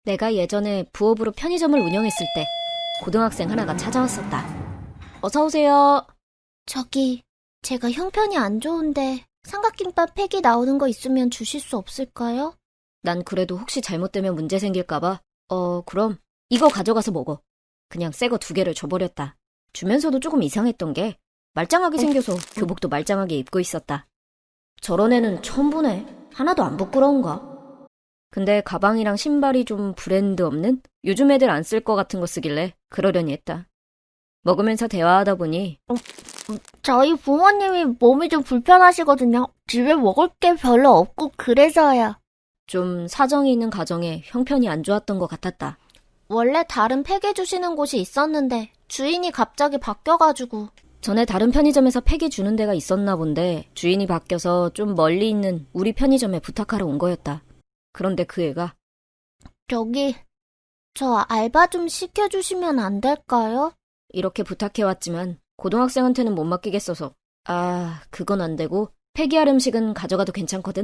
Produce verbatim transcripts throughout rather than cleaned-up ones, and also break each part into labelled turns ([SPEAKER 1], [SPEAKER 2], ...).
[SPEAKER 1] 내가 예전에 부업으로 편의점을 운영했을 때 고등학생 하나가 찾아왔었다. 어서 오세요.
[SPEAKER 2] 저기, 제가 형편이 안 좋은데 삼각김밥 팩이 나오는 거 있으면 주실 수 없을까요?
[SPEAKER 1] 난 그래도 혹시 잘못되면 문제 생길까봐 어 그럼 이거 가져가서 먹어. 그냥 새 거 두 개를 줘버렸다. 주면서도 조금 이상했던 게 말짱하게 생겨서 교복도 말짱하게 입고 있었다. 저런 애는 처음 보네. 하나도 안 부끄러운가? 근데 가방이랑 신발이 좀 브랜드 없는? 요즘 애들 안 쓸 것 같은 거 쓰길래 그러려니 했다. 먹으면서 대화하다 보니
[SPEAKER 2] 저희 부모님이 몸이 좀 불편하시거든요. 집에 먹을 게 별로 없고 그래서요.
[SPEAKER 1] 좀 사정이 있는 가정에 형편이 안 좋았던 것 같았다.
[SPEAKER 2] 원래 다른 팩 해주시는 곳이 있었는데 주인이 갑자기 바뀌어가지고.
[SPEAKER 1] 전에 다른 편의점에서 팩이 주는 데가 있었나 본데 주인이 바뀌어서 좀 멀리 있는 우리 편의점에 부탁하러 온 거였다. 그런데 그 애가
[SPEAKER 2] 저기, 저 알바 좀 시켜주시면 안 될까요?
[SPEAKER 1] 이렇게 부탁해왔지만 고등학생한테는 못 맡기겠어서 아, 그건 안 되고 폐기할 음식은 가져가도 괜찮거든?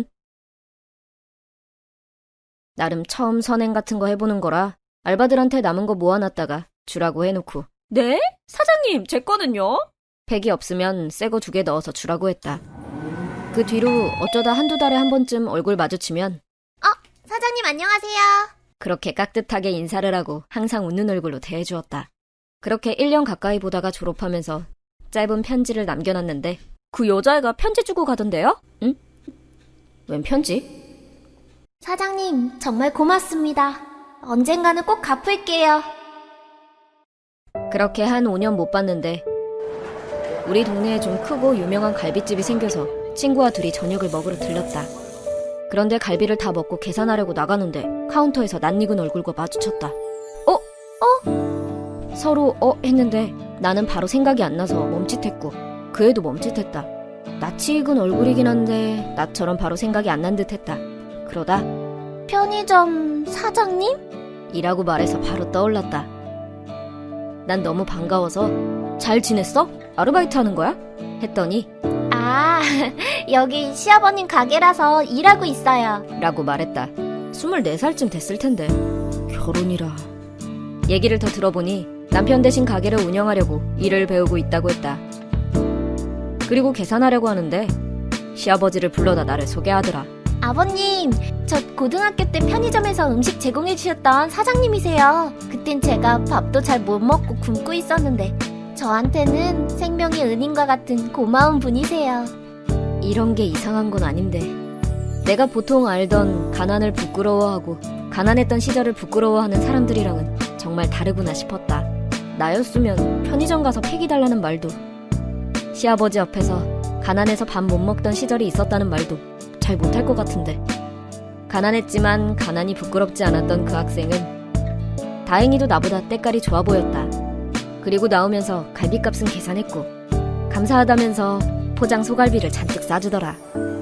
[SPEAKER 1] 나름 처음 선행 같은 거 해보는 거라 알바들한테 남은 거 모아놨다가 주라고 해놓고 네? 사장님, 제 거는요? 팩이 없으면 새 거 두 개 넣어서 주라고 했다. 그 뒤로 어쩌다 한두 달에 한 번쯤 얼굴 마주치면
[SPEAKER 2] 사장님 안녕하세요.
[SPEAKER 1] 그렇게 깍듯하게 인사를 하고 항상 웃는 얼굴로 대해주었다. 그렇게 일 년 가까이 보다가 졸업하면서 짧은 편지를 남겨놨는데 그 여자애가 편지 주고 가던데요? 응? 웬 편지?
[SPEAKER 2] 사장님 정말 고맙습니다. 언젠가는 꼭 갚을게요.
[SPEAKER 1] 그렇게 한 오 년 못 봤는데 우리 동네에 좀 크고 유명한 갈비집이 생겨서 친구와 둘이 저녁을 먹으러 들렀다. 그런데 갈비를 다 먹고 계산하려고 나가는데 카운터에서 낯익은 얼굴과 마주쳤다. 어? 어? 서로 어? 했는데 나는 바로 생각이 안 나서 멈칫했고 그 애도 멈칫했다. 낯이 익은 얼굴이긴 한데 나처럼 바로 생각이 안 난 듯했다. 그러다
[SPEAKER 2] 편의점 사장님?
[SPEAKER 1] 이라고 말해서 바로 떠올랐다. 난 너무 반가워서 잘 지냈어? 아르바이트 하는 거야? 했더니
[SPEAKER 2] 아, 여기 시아버님 가게라서 일하고 있어요.
[SPEAKER 1] 라고 말했다. 스물네 살쯤 됐을 텐데 결혼이라. 얘기를 더 들어보니 남편 대신 가게를 운영하려고 일을 배우고 있다고 했다. 그리고 계산하려고 하는데 시아버지를 불러다 나를 소개하더라.
[SPEAKER 2] 아버님, 저 고등학교 때 편의점에서 음식 제공해 주셨던 사장님이세요. 그땐 제가 밥도 잘 못 먹고 굶고 있었는데 저한테는 생명의 은인과 같은 고마운 분이세요.
[SPEAKER 1] 이런 게 이상한 건 아닌데 내가 보통 알던 가난을 부끄러워하고 가난했던 시절을 부끄러워하는 사람들이랑은 정말 다르구나 싶었다. 나였으면 편의점 가서 팩이 달라는 말도 시아버지 앞에서 가난해서 밥 못 먹던 시절이 있었다는 말도 잘 못할 것 같은데 가난했지만 가난이 부끄럽지 않았던 그 학생은 다행히도 나보다 때깔이 좋아 보였다. 그리고 나오면서 갈비값은 계산했고 감사하다면서 포장 소갈비를 잔뜩 싸주더라.